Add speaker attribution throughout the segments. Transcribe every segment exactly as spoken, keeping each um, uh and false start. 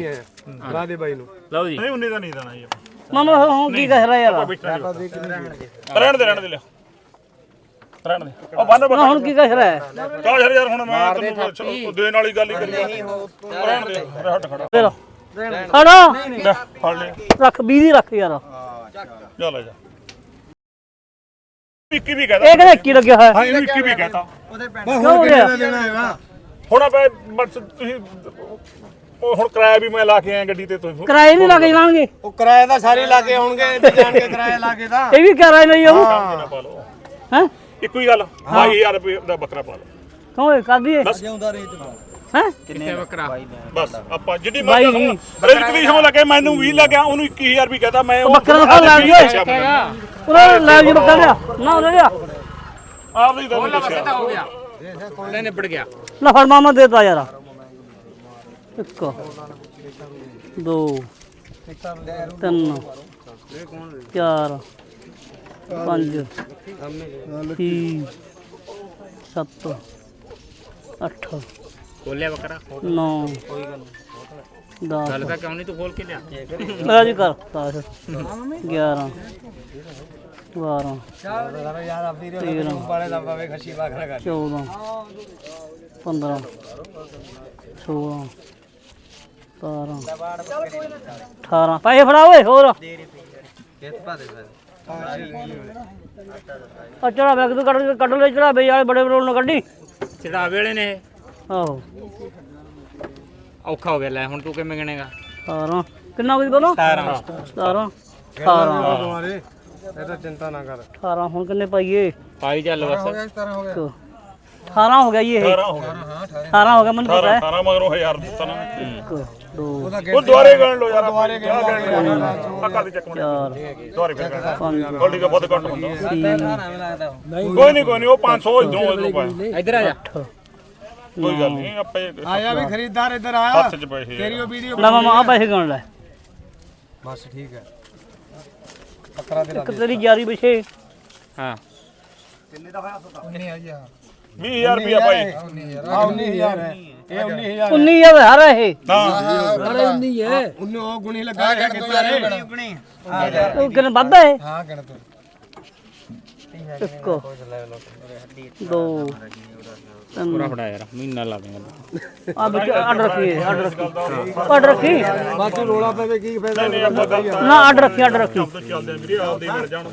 Speaker 1: ਹੈ ਲਾ ਦੇ ਬਾਈ ਨੂੰ
Speaker 2: ਲਓ ਜੀ
Speaker 3: ਨਹੀਂ ਉਨੀ ਦਾ ਨਹੀਂ ਦੇਣਾ ਜੀ
Speaker 4: ਮਾਮਾ ਹੁਣ ਕੀ ਕਹਿ ਰਿਹਾ ਯਾਰ
Speaker 3: ਰਹਿਣ ਦੇ ਰਹਿਣ ਦੇ ਲਿਆ ਰਹਿਣ ਦੇ ਉਹ ਬੰਨ
Speaker 4: ਨਾ ਹੁਣ ਕੀ ਕਹਿ ਰਿਹਾ ਹੈ
Speaker 3: ਕਾ ਯਾਰ ਯਾਰ ਹੁਣ ਮੈਂ ਤੈਨੂੰ ਦੇਣ ਵਾਲੀ ਗੱਲ ਹੀ ਕਰੀ ਰਹਿਣ ਦੇ ਹੱਟ ਖੜਾ
Speaker 4: ਫੇਰ ਖੜਾ
Speaker 3: ਲੈ ਫੜ ਲੈ
Speaker 4: ਰੱਖ ਵੀਹ ਦੀ ਰੱਖ ਯਾਰ
Speaker 3: ਜਾ ਲੈ ਜਾ ਇੱਕੀ ਵੀ ਕਹਦਾ
Speaker 4: ਇਹ ਕਹਿੰਦਾ ਇੱਕੀ ਲੱਗਿਆ ਹੋਇਆ
Speaker 3: ਹਾਂ ਇਹਨੂੰ ਇੱਕੀ ਵੀ ਕਹਤਾ
Speaker 4: ਕਿਉਂ ਹੋ ਗਿਆ
Speaker 1: ਦੇਣਾ ਹੈਗਾ
Speaker 3: ਹੁਣ ਆਪੇ ਬਸ ਤੁਸੀਂ ਉਹ ਹੁਣ ਕਿਰਾਇਆ ਵੀ ਮੈਂ ਲਾ ਕੇ ਆਇਆ ਗੱਡੀ ਤੇ ਤੁਸੀਂ
Speaker 4: ਕਿਰਾਏ ਨਹੀਂ ਲੱਗ ਜਾਣਗੇ
Speaker 1: ਉਹ ਕਿਰਾਏ ਦਾ ਸਾਰੇ ਲਾ ਕੇ ਆਉਣਗੇ ਤੇ ਜਾਣ ਕੇ ਕਿਰਾਇਆ ਲਾ ਕੇ ਤਾਂ
Speaker 4: ਇਹ ਵੀ ਕਿਰਾਏ ਨਹੀਂ ਆਉ
Speaker 3: ਨਾ ਪਾ ਲਓ
Speaker 4: ਹੈ
Speaker 3: ਇੱਕੋ ਹੀ ਗੱਲ ਬਾਈ ਹਜ਼ਾਰ ਰੁਪਏ ਦਾ ਬੱਕਰਾ ਪਾ ਲਓ
Speaker 4: ਕਿਉਂ ਇਹ ਕਰ ਦਈਏ
Speaker 3: ਬਸ
Speaker 4: ਹੈ
Speaker 2: ਕਿੰਨੇ ਬੱਕਰਾ
Speaker 3: ਬਸ ਆਪਾਂ ਜਿੱਡੀ
Speaker 4: ਬਾਈ
Speaker 3: ਮਰਜ਼ੀ
Speaker 4: ਨਹੀਂ।
Speaker 3: ਰੇਟ ਵੀ ਹੋ ਲੱਗੇ ਮੈਨੂੰ ਵੀਹ ਲੱਗਿਆ ਉਹਨੂੰ ਇੱਕੀ ਹਜ਼ਾਰ ਵੀ ਕਹਤਾ ਮੈਂ ਉਹ
Speaker 4: ਬੱਕਰਾ ਦਾ ਲੈ ਲਿਓ ਉਹਨਾਂ ਨੇ ਲੈ ਜੀ ਬੱਕਰਾ ਲਿਆ ਨਾ ਉਹ ਲੈ ਲਿਆ
Speaker 3: ਆਪ ਹੀ ਤਾਂ ਦੱਸਿਆ
Speaker 2: ਹੋ ਗਿਆ ਲੈ ਨਿਬੜ ਗਿਆ
Speaker 4: ਲੈ ਫੜ ਮਾਮਾ ਦੇਤਾ ਯਾਰ ਇੱਕ ਦੋ ਤਿੰਨ ਚਾਰ ਪੰਜ ਛੇ ਸੱਤ ਅੱਠ
Speaker 2: ਖੋਲਿਆ ਬੱਕਰਾ
Speaker 4: ਨੌ ਦਸ
Speaker 2: ਗੱਲ ਤਾਂ ਕਿਉਂ ਨਹੀਂ ਤੂੰ ਖੋਲ ਕੇ ਲਿਆ
Speaker 4: ਲੈ ਜੀ ਕਰ ਦਸ ਗਿਆਰਾਂ ਬਾਰਾਂ ਤੇਰਾਂ
Speaker 1: ਵਾਲੇ ਦਾ ਬਾਵੇ ਖੱਸੀ ਬਾਖਰਾ ਕਰ
Speaker 4: ਚੌਦਾਂ ਪੰਦਰਾਂ ਸੋਲਾਂ ਸਤਾਰਾਂ ਅਠਾਰਾਂ ਪੈਸੇ ਫੜਾ ਓਏ ਹੋਰ ਆ ਚੜਾ ਬੈਗ ਤੋਂ ਕੱਢ ਕੱਢ ਲੈ ਚੜਾ ਬਈ ਵਾਲੇ ਬੜੇ ਬਰੋਲ ਨੂੰ ਕੱਢੀ
Speaker 2: ਚੜਾਵੇ ਵਾਲੇ ਨੇ
Speaker 4: ਆਹੋ
Speaker 2: ਔਖਾ ਹੋ ਗਿਆ ਲੈ ਹੁਣ ਤੂੰ ਕਿਵੇਂ ਗਿਣੇਗਾ
Speaker 4: ਸਤਾਰਾਂ ਕਿੰਨਾ ਕੁਝ ਬੋਲੋ
Speaker 2: ਸਤਾਰਾਂ
Speaker 4: ਸਤਾਰਾਂ ਅਠਾਰਾਂ
Speaker 1: ਤੁਹਾਰੇ ਇਹ ਤਾਂ ਚਿੰਤਾ ਨਾ ਕਰ
Speaker 4: ਅਠਾਰਾਂ ਹੁਣ ਕਿੰਨੇ ਪਾਈਏ
Speaker 2: ਪਾਈ ਚੱਲ ਬਸ
Speaker 1: ਸਤਾਰਾਂ ਹੋ ਗਿਆ
Speaker 4: ਇੱਕ, ਅਠਾਰਾਂ ਹੋ ਗਿਆ ਜੀ ਇਹ
Speaker 3: ਅਠਾਰਾਂ ਹੋ ਗਿਆ
Speaker 4: ਅਠਾਰਾਂ ਹੋ ਗਿਆ ਮੈਨੂੰ ਪਤਾ ਹੈ
Speaker 3: ਅਠਾਰਾਂ ਮਗਰੋਂ ਹਜ਼ਾਰ ਦਿੱਤਾ ਨਾ ਮੈਂ
Speaker 4: ਇੱਕ ਦੋ
Speaker 3: ਉਹ ਦੁਆਰੇ ਗਣ ਲਓ ਯਾਰ ਦੁਆਰੇ ਗਣ ਲਓ ਆ ਕਰ ਦੇ ਚੱਕ
Speaker 4: ਚਾਰ
Speaker 3: ਦੁਆਰੇ ਫਿਰ ਗਣ
Speaker 4: ਪੰਜ
Speaker 3: ਗੋਲਡੀ ਦਾ ਬਹੁਤ ਘੱਟ ਹੁੰਦਾ
Speaker 4: ਛੇ
Speaker 3: ਕੋਈ ਨਹੀਂ ਕੋਈ ਨਹੀਂ ਉਹ ਪੰਜ ਸੌ ਇਧਰੋਂ ਇਧਰੋਂ ਪਾਇਆ
Speaker 2: ਇੱਧਰ ਆ ਜਾ
Speaker 4: ਅੱਠ
Speaker 3: ਕੋਈ ਗੱਲ ਨਹੀਂ ਆਪੇ
Speaker 1: ਆਇਆ ਵੀ ਖਰੀਦਦਾਰ ਇੱਧਰ ਆਇਆ
Speaker 3: ਹੱਥ 'ਚ ਪੈਸੇ
Speaker 1: ਤੇਰੀ ਉਹ ਵੀਡੀਓ
Speaker 4: ਲੈ ਮਾਮਾ ਆ ਪੈਸੇ ਗਣ ਲੈ
Speaker 1: ਬਸ ਠੀਕ ਹੈ ਬੱਕਰਾ ਦੇ
Speaker 4: ਇੱਕ ਤੇਰੀ ਯਾਰੀ ਪਿਛੇ
Speaker 2: ਹਾਂ
Speaker 3: ਵੀਹ ਹਜ਼ਾਰ ਰੁਪਇਆ ਭਾਈ
Speaker 1: ਆ ਉੱਨੀ ਹਜ਼ਾਰ ਹੈ ਇਹ ਉੱਨੀ ਹਜ਼ਾਰ
Speaker 4: ਉੱਨੀ ਹਜ਼ਾਰ ਹਾਰ ਹੈ ਇਹ
Speaker 3: ਨਾ
Speaker 1: ਉੱਨੀ ਉਹ ਗੁਣੀ ਲੱਗਾ ਹੈ ਕਿੱਥੇ ਗੁਣੀ
Speaker 4: ਉਹ ਕਿੰਨੇ ਵੱਧ ਹੈ
Speaker 1: ਹਾਂ ਗਿਣ ਤੂੰ
Speaker 4: ਇੱਕ ਦੋ ਤਿੰਨ
Speaker 2: ਫੜਾ ਯਾਰ ਮਹੀਨਾ ਲਾ ਦੇਗਾ
Speaker 4: ਆ ਵਿੱਚ ਅੱਡ ਰੱਖੀ ਅੱਡ ਰੱਖੀ ਅੱਡ ਰੱਖੀ
Speaker 1: ਬਾਕੀ ਰੋਲਾ ਪਵੇ ਕੀ ਫਾਇਦਾ
Speaker 3: ਨਹੀਂ ਆਪਾਂ ਗੱਲ ਤਾਂ
Speaker 4: ਨਾ ਅੱਡ ਰੱਖੀ ਅੱਡ ਰੱਖੀ
Speaker 3: ਸ਼ਬਦ ਚੱਲਦੇ ਆ ਵੀਰੇ ਆਪਦੇ ਮਿਲ ਜਾਣ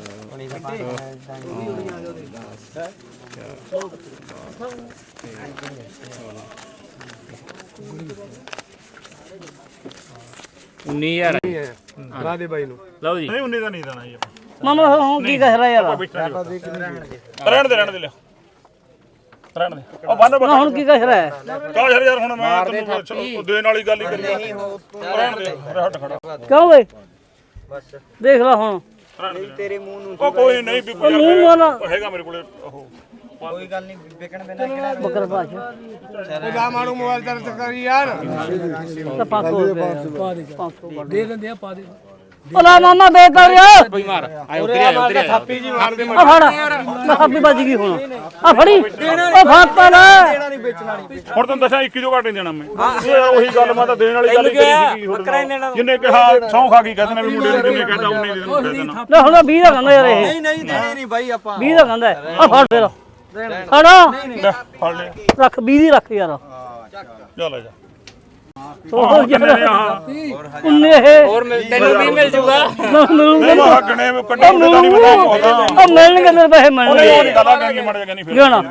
Speaker 2: ਉੱਨੀ ਹਜ਼ਾਰ
Speaker 1: ਲਾ ਦੇ ਬਾਈ ਨੂੰ
Speaker 2: ਲਓ ਜੀ
Speaker 3: ਨਹੀਂ ਉਨੀ ਦਾ ਨਹੀਂ ਦੇਣਾ ਜੀ
Speaker 4: ਮਾਮਾ ਹੁਣ ਕੀ ਕਹਿ ਰਿਹਾ ਯਾਰ
Speaker 3: ਰਹਿਣ ਦੇ ਰਹਿਣ ਦੇ ਲਿਆ ਰਹਿਣ ਦੇ ਉਹ ਬੰਨ
Speaker 4: ਨਾ ਹੁਣ ਕੀ ਕਹਿ ਰਿਹਾ ਹੈ
Speaker 3: ਕਾ ਯਾਰ ਯਾਰ ਹੁਣ ਮੈਂ ਤੈਨੂੰ ਦੇਣ ਵਾਲੀ ਗੱਲ ਹੀ ਕਰੀ ਰਹਿਣ ਦੇ ਹੱਟ ਖੜਾ
Speaker 4: ਕਿਉਂ ਓਏ ਦੇਖ ਲੈ ਹੁਣ
Speaker 1: ਤੇਰੇ ਮੂੰਹ ਨੂੰ
Speaker 3: ਉਹ ਕੋਈ ਨਹੀਂ ਵੀ ਕੋਈ
Speaker 4: ਮੂੰਹ ਵਾਲਾ
Speaker 3: ਹੈਗਾ ਮੇਰੇ ਕੋਲੇ ਉਹ
Speaker 1: ਕੋਈ ਗੱਲ ਨਹੀਂ ਵਿਕਣ ਦੇਣਾ ਕਿਹੜਾ
Speaker 4: ਬੱਕਰ ਭਾਸ਼ਾ
Speaker 1: ਉਹ ਜਾ ਮਾਰੂ ਮੋਬਾਈਲ ਦਰਦ ਕਰੀ ਯਾਰ
Speaker 4: ਤਾਂ ਪੰਜ ਸੌ ਰੁਪਏ ਪੰਜ ਸੌ ਦੇ ਦਿੰਦੇ ਆ ਪਾ ਦੇ ਓਲਾ ਮਾਮਾ ਦੇ ਤਾ ਯਾਰ
Speaker 2: ਕੋਈ ਮਾਰ ਆਏ ਉਧਰ ਆ ਉਧਰ ਆ
Speaker 1: ਥਾਪੀ ਜੀ ਮਾਰਦੇ
Speaker 4: ਆ ਫੜ ਮੈਂ ਖਾਪੀ ਵੱਜ ਗਈ ਹੁਣ ਆ ਫੜੀ ਉਹ ਫਾਪਾ ਲੈ
Speaker 1: ਨਹੀਂ ਵੇਚਣਾ ਨਹੀਂ
Speaker 3: ਹੁਣ ਤੈਨੂੰ ਦੱਸਾਂ ਇੱਕੀ ਜੋ ਘੱਟ ਨਹੀਂ ਦੇਣਾ ਮੈਂ ਉਹ ਯਾਰ ਉਹੀ ਗੱਲ ਮੈਂ ਤਾਂ ਦੇਣ ਵਾਲੀ ਗੱਲ ਹੀ ਕਰੀ ਸੀ ਬੱਕਰਾ ਦੇਣਾ ਜਿੰਨੇ ਕਿਹਾ ਸੌਂ ਖਾ ਗਈ ਕਹਿੰਦੇ ਨੇ ਵੀ ਮੁੰਡੇ ਨੂੰ ਜਿੰਨੇ ਕਹਿੰਦਾ ਉਹਨੇ ਦੇ ਨੂੰ ਦੇਣਾ
Speaker 4: ਲੈ ਹੁਣ ਵੀਹ ਦਾ ਕਹਿੰਦਾ ਯਾਰ ਇਹ
Speaker 1: ਨਹੀਂ ਨਹੀਂ ਦੇਣੇ ਨਹੀਂ ਬਾਈ ਆਪਾਂ
Speaker 4: ਵੀਹ ਦਾ ਕਹਿੰਦਾ ਆ ਫੜ ਫੇਰ ਫੜਾ
Speaker 3: ਲੈ ਫੜ ਲੈ
Speaker 4: ਰੱਖ ਵੀਹ ਦੀ ਰੱਖ ਯਾਰ
Speaker 3: ਜਾ ਲੈ ਜਾ
Speaker 4: ਉਹ
Speaker 3: ਕਿੰਨੇ ਨੇ ਆਹ
Speaker 4: ਉਨੇ ਇਹ
Speaker 2: ਹੋਰ ਮਿਲ ਤੈਨੂੰ ਵੀ ਮਿਲ ਜੂਗਾ
Speaker 4: ਮਿਲੂਗੇ
Speaker 3: ਉਹ ਹੱਗਣੇ ਵੀ ਕੱਢੇ ਤਾਂ ਨਹੀਂ ਪਤਾ ਹੋਦਾ
Speaker 4: ਉਹ ਮਿਲਣਗੇ ਤੇਰੇ ਪੈਸੇ ਮਿਲਣਗੇ
Speaker 3: ਉਹ ਨਹੀਂ ਗੱਲਾਂ ਕਰਨੀ ਮੜ ਜਾ ਨਹੀਂ ਫਿਰ
Speaker 4: ਜਾਣਾ।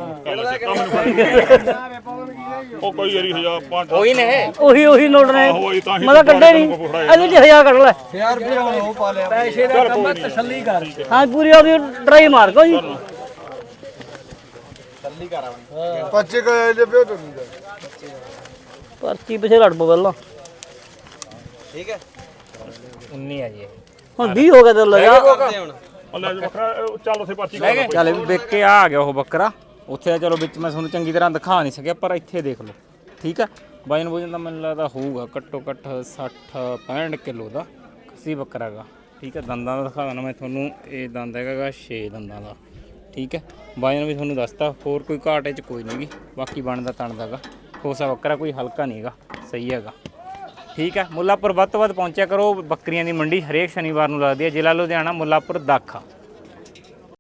Speaker 3: ਉਹ ਕੋਈ ਯਾਰੀ ਹਜ਼ਾਰ ਪੰਜ
Speaker 2: ਕੋਈ ਨੇ
Speaker 4: ਉਹੀ ਉਹੀ ਨੋਟ ਨੇ
Speaker 3: ਹੋਈ ਤਾਂ ਹੀ
Speaker 4: ਮੈਂ ਤਾਂ ਕੱਢੇ ਨਹੀਂ ਇਹਦੇ ਚ ਹਜ਼ਾਰ ਕੱਢ ਲੈ
Speaker 1: ਯਾਰ ਫਿਰ ਉਹ ਪਾ ਲਿਆ ਪੈਸੇ ਦਾ ਕੰਮ ਤਸੱਲੀ ਕਰ
Speaker 4: ਹਾਂ ਪੂਰੀ ਉਹਦੀ ਡਰਾਈ ਮਾਰ ਕੋ ਜੀ
Speaker 1: ਪੱਚੇ ਕਾ ਜੇ ਪਿਓ ਤੋਂ
Speaker 4: ਪਰਚੀ ਪਿਛੇ ਲੜ ਪੋ ਪਹਿਲਾਂ
Speaker 1: ਠੀਕ ਹੈ
Speaker 2: ਉੱਨੀ ਆ ਜੀ
Speaker 4: ਹੁਣ ਵੀਹ ਹੋ ਗਿਆ ਤੇ ਲਗਾ
Speaker 3: ਉਹ ਲੈ ਜਾ ਵੱਖਰਾ ਉਹ ਚੱਲ ਉੱਥੇ ਪਾਰਟੀ ਕਰ
Speaker 2: ਚੱਲ ਵਿਕ ਕੇ ਆ ਗਿਆ ਉਹ ਬੱਕਰਾ ਉੱਥੇ ਆ ਚਲੋ ਵਿੱਚ ਮੈਂ ਤੁਹਾਨੂੰ ਚੰਗੀ ਤਰ੍ਹਾਂ ਦਿਖਾ ਨਹੀਂ ਸਕਿਆ ਪਰ ਇੱਥੇ ਦੇਖ ਲਓ ਠੀਕ ਹੈ ਵਜਨ ਵਜਨ ਦਾ ਮੈਨੂੰ ਲੱਗਦਾ ਹੋਊਗਾ ਘੱਟੋ ਘੱਟ ਸੱਠ ਪੈਂਹਠ ਕਿਲੋ ਦਾ ਖੱਸੀ ਬੱਕਰਾ ਗਾ ਠੀਕ ਹੈ ਦੰਦਾਂ ਦਾ ਦਿਖਾ ਦਿੰਦਾ ਮੈਂ ਤੁਹਾਨੂੰ ਇਹ ਦੰਦ ਹੈਗਾ ਗਾ ਛੇ ਦੰਦਾਂ ਦਾ ਠੀਕ ਹੈ ਵਜਨ ਵੀ ਤੁਹਾਨੂੰ ਦੱਸਤਾ ਹੋਰ ਕੋਈ ਘਾਟ ਇਹ 'ਚ ਕੋਈ ਨਹੀਂ ਗੀ ਬਾਕੀ ਬਣਦਾ ਤਣਦਾ ਗਾ ਕੋਸਾ ਬੱਕਰਾ ਕੋਈ ਹਲਕਾ ਨਹੀਂ ਹੈਗਾ ਸਹੀ ਹੈਗਾ ਠੀਕ ਹੈ। ਮੁੱਲਾਪੁਰ ਵੱਧ ਤੋਂ ਵੱਧ ਪਹੁੰਚਿਆ ਕਰੋ। ਬੱਕਰੀਆਂ ਦੀ ਮੰਡੀ ਹਰੇਕ ਸ਼ਨੀਵਾਰ ਨੂੰ ਲੱਗਦੀ ਹੈ। ਜ਼ਿਲ੍ਹਾ ਲੁਧਿਆਣਾ, ਮੁੱਲਾਪੁਰ ਦਾਖਾ।